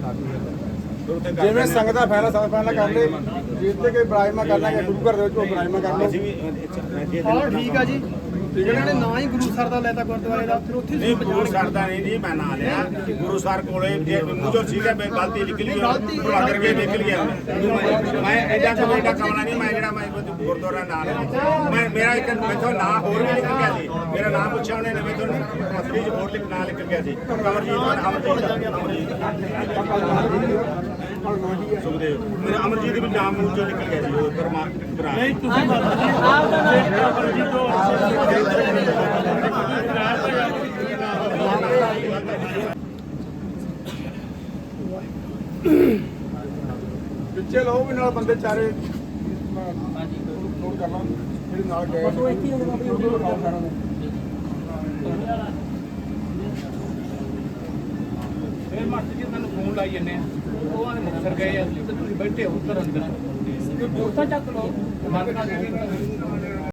S9: ਜਿਵੇਂ ਸੰਗਤ ਦਾ ਫੈਸਲਾ ਸਭ ਫੈਸਲਾ ਕਰ ਲੇ, ਜਿੱਥੇ ਕੋਈ ਬਿਰਾਜਮਾਨ ਕਰਨਾ ਹੈ ਗੁਰੂ ਘਰ ਦੇ ਵਿੱਚ ਉਹ ਬਿਰਾਜਮਾਨ ਕਰ ਲਓ।
S3: ਅਸੀਂ ਵੀ
S7: ਠੀਕ ਆ ਜੀ, ਇਹਨਾਂ ਨੇ ਨਾ ਹੀ ਗੁਰੂ ਸਰ ਦਾ ਲੈਤਾ ਗੁਰਦੁਆਰੇ ਦਾ, ਫਿਰ ਉੱਥੇ
S3: ਨਹੀਂ ਗੁਰੂ ਸਰ ਦਾ ਨਹੀਂ ਜੀ ਮੈਂ ਨਾਂ ਲਿਆ। ਗੁਰੂ ਸਰ ਕੋਲੇ ਜੇ ਮੂੰਹੋਂ ਸੀਗਾ ਮੈਂ ਗਲਤੀ ਨਿਕਲੀ ਭੁਲਾ ਕਰਕੇ ਨਿਕਲ ਗਿਆ। ਮੈਂ ਐਡਾ ਕੋਈ ਐਡਾ ਕਮਲਾ ਨਹੀਂ, ਮੈਂ ਜਿਹੜਾ ਮੈਂ ਗੁਰਦੁਆਰਾ ਨਾਂ ਲਿਆ। ਮੈਂ ਮੇਰਾ ਇੱਕ ਮੈਥੋਂ ਨਾਂ ਹੋਰ ਵੀ ਨਿਕਲ ਗਿਆ ਸੀ, ਮੇਰਾ ਨਾਂ ਪੁੱਛਿਆ ਉਹਨੇ ਮੈਥੋਂ ਅਸਲੀ ਚ ਹੋਰ ਨਾਂ ਨਿਕਲ ਗਿਆ ਸੀ। ਸੁਖਦੇਵ ਮੇਰਾ ਅਮਰਜੀਤ ਵੀ ਨਾਮ ਮੂੰਹ ਚੋਂ ਨਿਕਲ ਗਿਆ ਸੀ ਉਹ ਪਰਮਾਤਮਾ ਨਹੀਂ ਤੁਸੀਂ
S9: ਪਿੱਛੇ ਲਓ ਵੀ ਨਾਲ ਬੰਦੇ ਚਾਰੇ ਨੋਟ ਕਰ ਲਾਂ ਜਿਹੜੇ ਨਾਲ ਗਏ ਉਹ ਇੱਥੇ ਹੀ ਸਾਰਾ ਨੇ।
S2: ਫਿਰ ਮਾਸਟਰ ਜੀ ਤੁਹਾਨੂੰ ਫੋਨ ਲਾਈ ਜੰਨੇ ਆ, ਉਹ ਆਨੇ ਮੁਕਤਸਰ ਗਏ ਆ ਤੇ ਤੁਸੀਂ ਬੈਠੇ ਹੋ ਉੱਧਰ ਅੰਦਰ ਉੱਥਾ ਚੱਕ ਲਓ।